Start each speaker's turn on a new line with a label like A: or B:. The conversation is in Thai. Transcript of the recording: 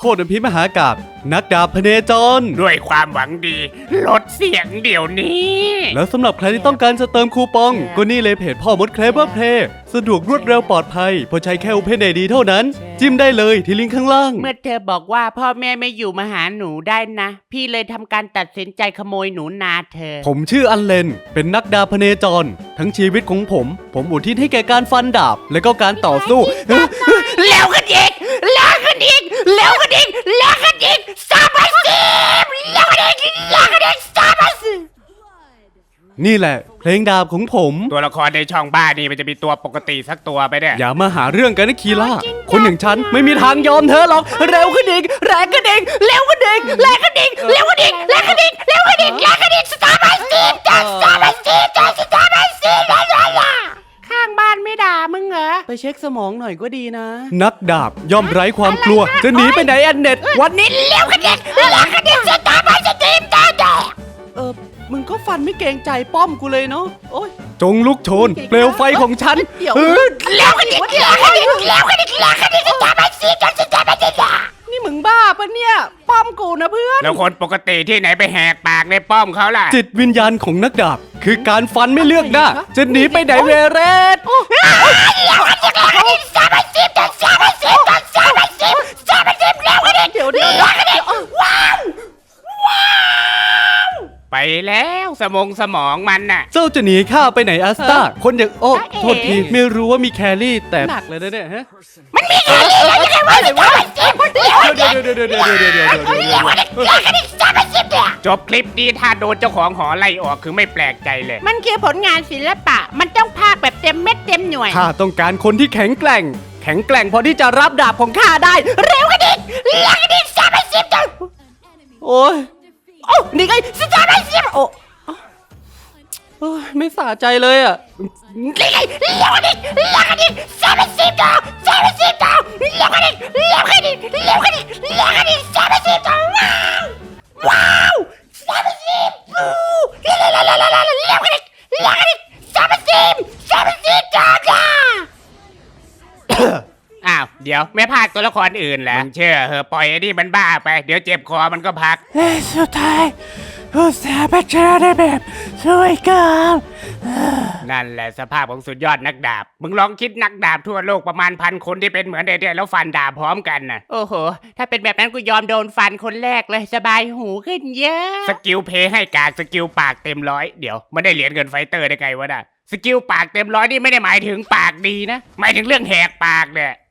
A: โคตรพิมหากาพย์นักดาบพเนจร
B: ด้วยความหวังดีลดเสียงเดี๋ยวนี้
A: แล้วสำหรับใครที่ต้องการจะเติมคูปองก็นี่เลยเพจพ่อมดเคลเวอร์เพลย์สะดวกรวดเร็วปลอดภัยเพราะใช้แค่ OpenID เท่านั้นจิ้มได้เลยที่ลิงก์ข้างล่าง
C: เมื่อเธอบอกว่าพ่อแม่ไม่อยู่มาหาหนูได้นะ พี่เลยทำการตัดสินใจขโมยหนูนาเธอ
A: ผมชื่ออันเลนเป็นนักดาบพเนจร ทั้งชีวิตของผมอุทิศให้แก่การฟันดาบและก็การต่อสู้
C: แล้วกันอีกแล้วกันอีกแล้วกันอีกแล้วกันอีกสามพันสิบแล้วกันอีกแล้วกันอีกสามพันสิบ
A: นี่แหละเพลงดาบของผม
B: ตัวละครในช่องบ้านนี่มันจะมีตัวปกติสักตัวไปเนี่ย
A: อย่ามาหาเรื่องกันนะคีล่าคนอย่างฉันไม่มีทางยอมเธอหรอกเร็วขึ้นอีกแรงขึ้นอีกเร็วขึ้นอีกแรงขึ้นอีกเร็วขึ้นอีกแรงขึ้นอีกเร็วขึ้นอีกแรงขึ้นอีกสตาร์บัคสิบจัดสตาร์บัคสิบจัดสตาร์บัคสิบข้างบ้านไม่ด่ามึงเหรอไปเช็คสมองหน่อยก็ดีนะ นักดาบย่อมไร้ความกลัวจะหนีไปไหนแอนเน็ตวันนี้
C: เร็วกันอีกเร็วกันอีกสตาร์บัคสิบจัดมึงก็ฟันไม่เกรงใจป้อมกูเลยเนาะโอ้ย
A: จงลุกโชนเปลวไฟของฉัน
C: เดี๋ยว
A: เร็วกันอีก
C: แล้วกันอีกแล้วกันอีกแล้วกันอีกสตาร์บัคสิบจัดสตาร์บัคสิบนี่มึงบ้าปะเนี่ยป้อมกูนะเพื่อน
B: แล้วคนปกติที่ไหนไปแหกปากในป้อมเขาล่ะ
A: จิตวิญญาณของนักดาบคือการฟันไม่เลือกหน้าจะหนีไปไหนเวเรศ
C: เดี๋ยว
B: ไปแล้วสมองมันน่ะ
A: เจ้าจะหนีข้าไปไหนอัสตาคนอย่างโอ้โทษทีไม่รู้ว่ามีแครี่แต่หนักเลยนะเนี่ยฮะมันมีแครี่แล้วยังไงวะเดี๋ยว
B: จบคลิปนี้ถ้าโดนเจ้าของหอไล่ออกคือไม่แปลกใจเลย
C: มันคือผลงานศิลปะ มันต้องพากแบบเต็มเม็ดเต็มหน่วย
A: ข้าต้องการคนที่แข็งแกร่งพอที่จะรับดาบของข้าได้
C: เร็วกันอีกเร็วกันอีกสามพันสิบจัง
A: โอ้ย
C: โอ้นี่ไงสามพันสิบโอ้
A: โอ้ยไม่สะใจเลยอ่ะ
C: นี่ไงเร็วกันอีกเร็วกันอีกสามพันสิบจังสามพันสิบจังเร็วกันอีกเร็วกันอีกเร็วกันอีกเร็วกันอีกสามพันสิบจังว้าวสามพันสิบเร็วกันอีกเร็วกันอีกสามพันสิบจัง
B: อ้าวเดี๋ยวไม่พากตัวละครอื่นแหละมึงเชื่อเหอะปล่อยไอ้นี่มันบ้าไปเดี๋ยวเจ็บคอมันก็พัก
C: สุดท้ายอุตส่าห์ไปเจอได้แบบสวยงาม
B: นั่นแหละสภาพของสุดยอดนักดาบ มึงลองคิดนักดาบทั่วโลกประมาณ1,000 คนที่เป็นเหมือนเด็กๆแล้วฟันดาบพร้อมกันน่ะ
C: โอ้โห ถ้าเป็นแบบนั้นกูยอมโดนฟันคนแรกเลยสบายหูขึ้นเยอะ
B: สกิลเพย์ให้กากสกิลปากเต็มร้อยเดี๋ยวไม่ได้เหรียญเงินไฟเตอร์ได้ไงวะน่ะสกิลปากเต็มร้อยนี่ไม่ได้หมายถึงปากดีนะหมายถึงเรื่องแหกปากเนี่ย